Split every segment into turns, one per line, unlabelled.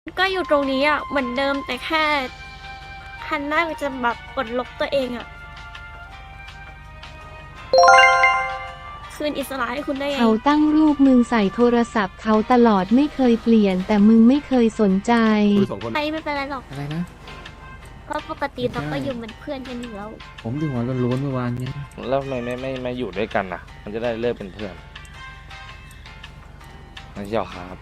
ก็อยู่ตรงนี้อ่ะเหมือนเดิมแต่แค่ฮันน่าจะแบบปลดล็อกตัวเองอ่ะคืนอิสระให้คุณได้ไง
เขาตั้งรูปมึงใส่โทรศัพท์เขาตลอดไม่เคยเปลี่ยนแต่มึงไม่เคยสนใจ
คุยสองคน
ไปไม่เป็นไรหรอก
อะไรนะ
เพราะปกติเราก็อยู่เหมือนเพื่อนกันอยู่แล้ว
ผมดูหัวโล้นๆเมื่อวานเนี้ย
แล้วทำไมไม่อยู่ด้วยกันนะมันจะได้เลิกเป็นเพื่อนไม่ใช่หรอครับ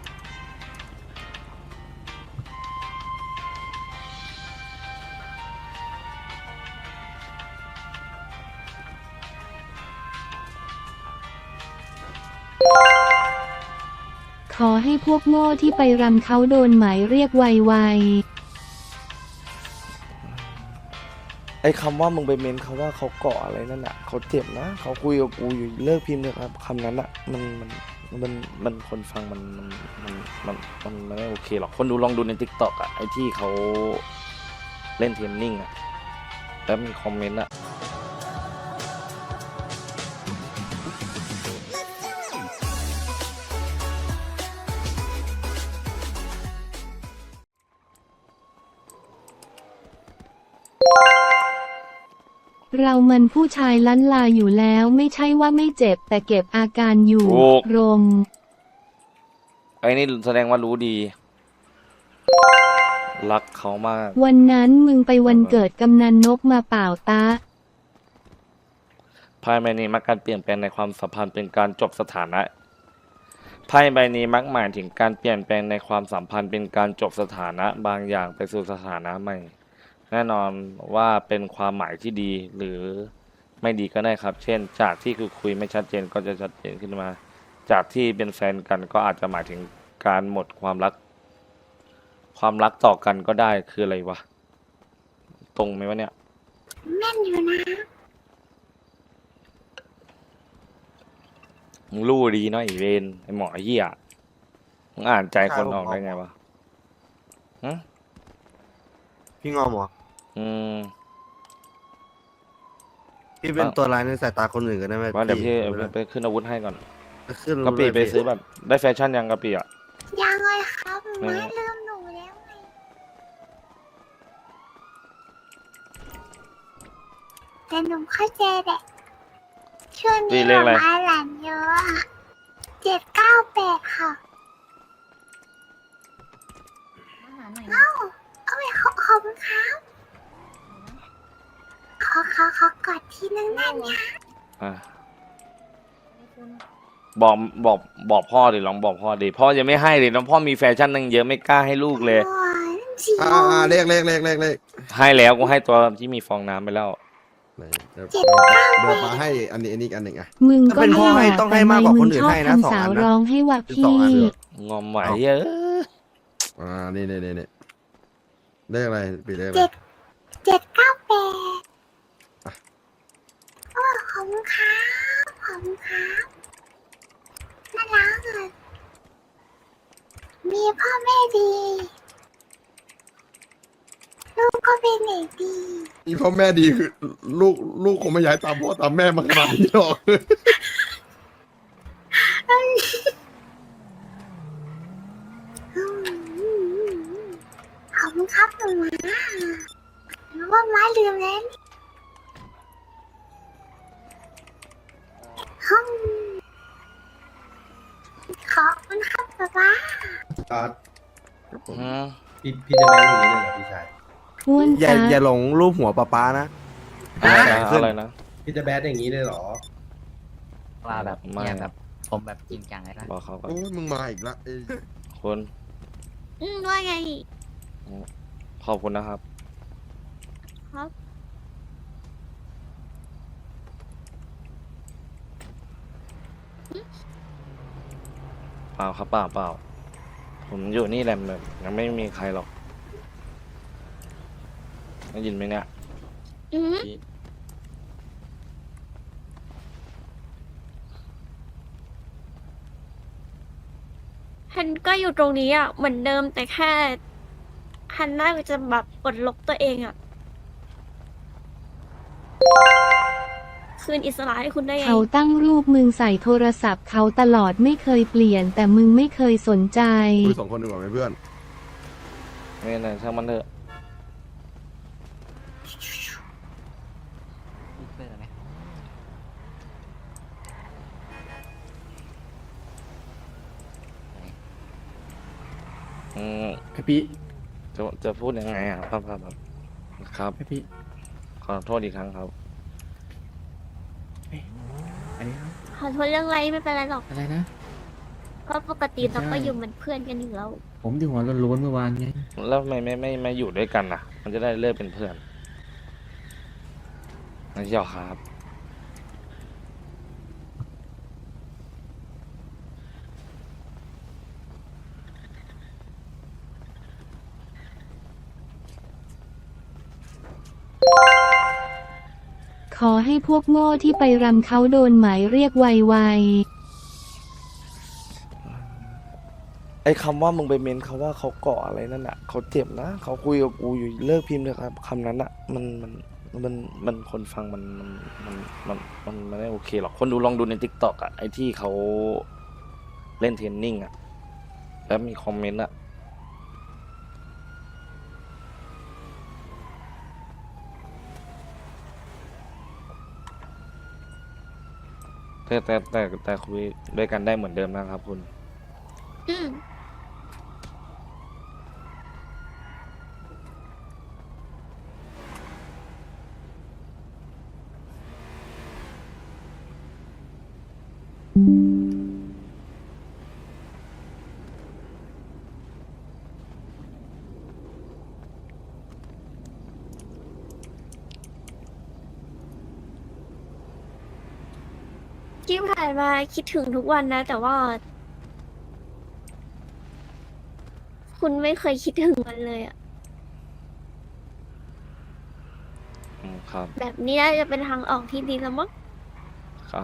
ขอให้พวกโง่ที่ไปรำเขาโดนหมายเรียกไว
ไอ้คำว่ามึงไปเม้นเขาว่าเขาเกาะอะไรนั่นอ่ะเขาเจ็บนะเขาคุยกับกูอยู่เลิกพิมพ์เลยครับคำนั้นอ่ะมันคนฟังมันไม่โอเคหรอกคนดูลองดูใน TikTok อ่ะไอ้ที่เขาเล่นเทรนนิ่งอ่ะแล้วมีคอมเมนต์อ่ะ
ๆ เรามันผู้ชายล้านลาอยู่แล้วไม่ใช่ว่าไม่เจ็บแต่เก็บอาการอยู่
ถูก
รม
ไอ้นี่แสดงว่ารู้ดี รักเขามาก
วันนั้นมึงไปวันเกิดกำนันนกมาเปล่าตา
ไพ่ใบนี้มักการเปลี่ยนแปลงในความสัมพันธ์เป็นการจบสถานะไพ่ใบนี้มักหมายถึงการเปลี่ยนแปลงในความสัมพันธ์เป็นการจบสถานะบางอย่างไปสู่สถานะใหม่ แน่นอนว่าเป็นความหมายที่ดีหรือไม่ดีก็ได้ครับ เช่น จากที่คือคุยไม่ชัดเจนก็จะชัดเจนขึ้นมา จากที่เป็นแฟนกันก็อาจจะหมายถึงการหมดความรัก ความรักต่อกันก็ได้คืออะไรวะ ตรงไหมวะเนี่ย
แม่นอยู่นะ
มึงรู้ดีเนาะไอเวนไอหมอเหี้ยมึงอ่านใจคนออกได้ไงวะฮะ
พี่งอมเหรอ
อืม
พี่เป็นตัวร้ายในสายตาคนอื่นกันได้ไหม
ว่าเดี๋ยวพี่
ไม่ได้
ไปขึ้นอาวุธให้ก่อน
ขึ้น
กะปิ
เลย
ไปซื้อแบบ ได้แฟชั่นยังกะปิอ่ะ
ยังเลยครับ
ไม่
ไม่ลืมหนูแล้วไงแต่หนูเข้าใจแหละช่วง
ปี
นี้
เลขอะไร
มาหลานเยอะอะ798ค่ะเอ้าเอาไปขอบคุณครับขอกอดทีนึงได้ไหมคะ
อ่ะบอกบอกพ่อดิลองบอกพ่อดิพ่อจะไม่ให้ดิน้องพ่อมีแฟชั่นตั้งเยอะไม่กล้าให้ลูกเลย
โอ้ยนั่นสิ
เลข
ให้แล้วกูให้ตัวที่มีฟองน้ำไปแล้ว
ไหนเดี๋ยวมาให้อันนี้อีกอันหนึ่งอ่ะ
มึง
ถ้า
ก็
เป็นพ่อให้
ไม่หล่
ต้องให้มากกว่าคนอื่น
ชอบ
ให้นะสอง
ทำสา
อั
วน
นะ
ร้องให้ว่า
เป็น
พี่
สองอันเลย
งอมไหวเยอะ
นี่เลขอะไรปีเลขอะไร
798โอ้ขอบคุณครับขอบคุณครับน่ารักอ่ะมีพ่อแม่ดี ลูกก็เป็นเด็กดี
นี่พ่อแม่ดีคือลูกคงไม่ย้ายตามพ่อตามแม่มาขนาดนี้หรอก
ขอบคุณครับหนูนะหนูว่าม้าลืมแล้วห้องขอบคุณครับป๊าป๊า
อืม
พี่จะแบนอย่างนี้เลยเหรอพี่ชาย
อ้วน
อย่า
ตา
อย่าหลงรูปหัวป้านะ
อะไร
ขึ้น
อะไรนะ
พี่จะแบนอย่างนี้เลยเหรอ
ว่าแบบ
ไม่
เนี่ยแบบผมแบบจริงจังเลยนะ
บอกเขาก่อน
โอ้ยมึงมาอีกละ
คุณ
ว่าไง
ขอบคุณนะครับ
ครับ
เปล่าครับเปล่าผมอยู่นี่แหละแบบยังไม่มีใครหรอกได้ยินไหมเนี่ย
อืมฮันก็อยู่ตรงนี้อ่ะเหมือนเดิมแต่แค่ฮันน่าจะแบบปลดล็อกตัวเองอ่ะคืนอิสระให้คุณได้ไง
เขาตั้งรูปมึงใส่โทรศัพท์เขาตลอดไม่เคยเปลี่ยนแต่มึงไม่เคยสนใจ
คุยสองคนดีกว่าไหมเพื่อน
ไม่เป็นไรช่างมันเถอะ
เปิดไหม
อืม
พี่
จะพูดยังไงอ่ะครับครับ
พี่
ขอโทษอีกครั้งครับ
อันนี้ครับ
ขอโทษเรื่องอะไรไม่เป็นไรหรอก
อะไรนะ
ก็ปกติ
ไม่ใช่
เราก็อยู่เหมือนเพื่อนกันอยู่แล้ว
ผมที่หัวโล้นๆเมื่อวานไง
แล้วทำไมไม่อยู่ด้วยกันนะมันจะได้เลิกเป็นเพื่อนไม่ใช่หรอครับ
ขอให้พวกโง่ที่ไปรำเขาโดนหมายเรียกไว
ไอ้คำว่ามึงไปเม้นเขาว่าเขาเกาะอะไรนั่นอ่ะเขาเจ็บนะเขาคุยกับกูอยู่เลิกพิมพ์เถอะครับคำนั้นอ่ะมันคนฟังมันไม่ได้โอเคหรอกคนดูลองดูในทิกตอกอ่ะไอ้ที่เขาเล่นเทรนนิ่งอ่ะแล้วมีคอมเมนต์อ่ะแต่คุยด้วยกันได้เหมือนเดิมนะครับคุณ
อืม ที่ผ่านมาคิดถึงทุกวันนะ แต่ว่า คุณไม่เคยคิดถึงมันเลยอะ
ครับ
แบบนี้น่าจะเป็นทางออกที่ดีแล้วมั้ง
ครับ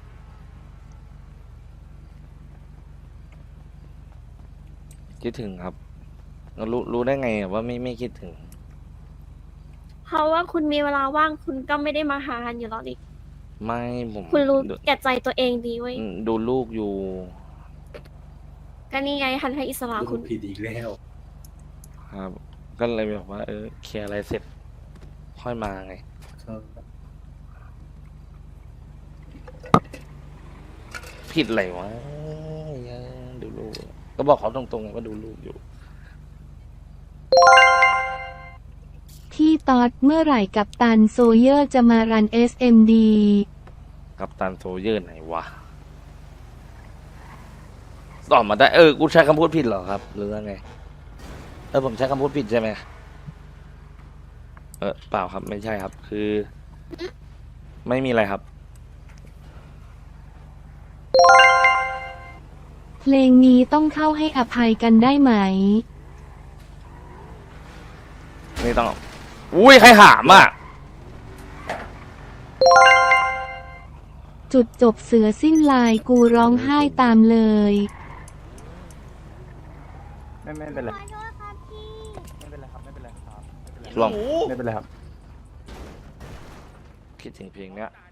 คิดถึงครับแล้วรู้ได้ไงอะว่าไม่คิดถึง
เพราะว่าคุณมีเวลาว่างคุณก็ไม่ได้มาหากันอยู่แล้วนี่
ไม่ผม
คุณรู้
ดู
แก่ใจตัวเองดีเว้ย
ดูลูกอยู่
ก็นี่ไงทันให้อิสระ
ลู
คุ
ก
ณ
ผิดอีกแล้ว
ครับ ก็เลยบอกว่า เคลียร์อะไรเสร็จ ค่อยมาไง ผิดอะไรวะดูลูก ก็บอกเขาตรงๆไงว่าดูลูกอยู่
ๆ พี่ตอดเมื่อไหร่กับตันโซเยอร์จะมารัน SMD
กับตันโซเยอร์ไหนวะตอบมาได้ กูใช้คำพูดผิดเหรอครับ หรือว่าไง ผมใช้คำพูดผิดใช่ไหมเปล่าครับ ไม่ใช่ครับ คือ ไม่มีอะไรครับ
เพลงนี้ต้องเข้าให้อภัยกันได้ไหม
ไม่ต้อง อุ้ย ใครหามอ่ะ
จุดจบเสือสิ้นลายกูร้องไห้ตามเลย
ไม่เป็นไร
ขอโทษครับพี่
ไม่เป็นไรครับ ไม่เป็นไรครับ
ลอง
ไม่เป็นไรครับ
คิดถึงเพลงเนี้ย